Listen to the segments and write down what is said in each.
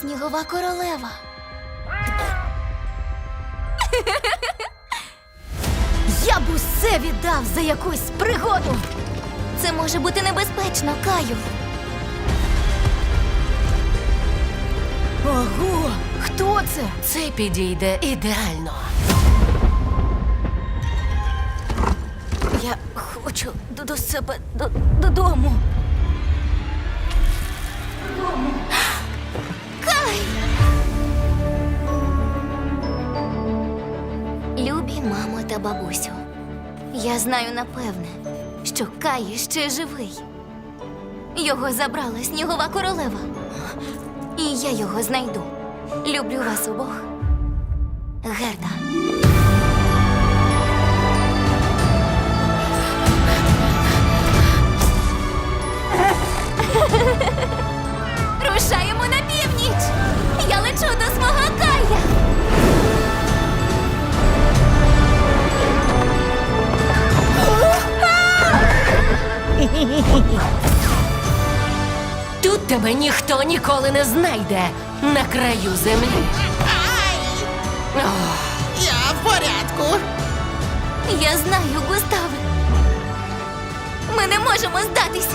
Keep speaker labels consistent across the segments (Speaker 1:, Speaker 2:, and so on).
Speaker 1: снігова королева. Я б усе віддав за якусь пригоду. Це може бути небезпечно, Каю. Ого, хто це?
Speaker 2: Це підійде ідеально.
Speaker 1: Я хочу до себе додому. Кай! Любі мамо та бабусю, я знаю напевне, що Кай ще живий. Його забрала снігова королева. І я його знайду. Люблю вас обох. Герда. Рушаємо на північ! Я лечу до свого Кая!
Speaker 2: Тут тебе ніхто ніколи не знайде на краю землі.
Speaker 3: Я в порядку.
Speaker 1: Я знаю, Густаве. Ми не можемо здатися.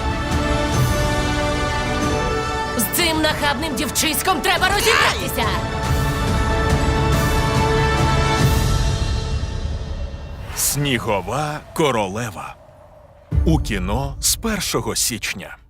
Speaker 2: З цим нахабним дівчиськом треба розібратися.
Speaker 4: Снігова королева. У кіно з 1 січня.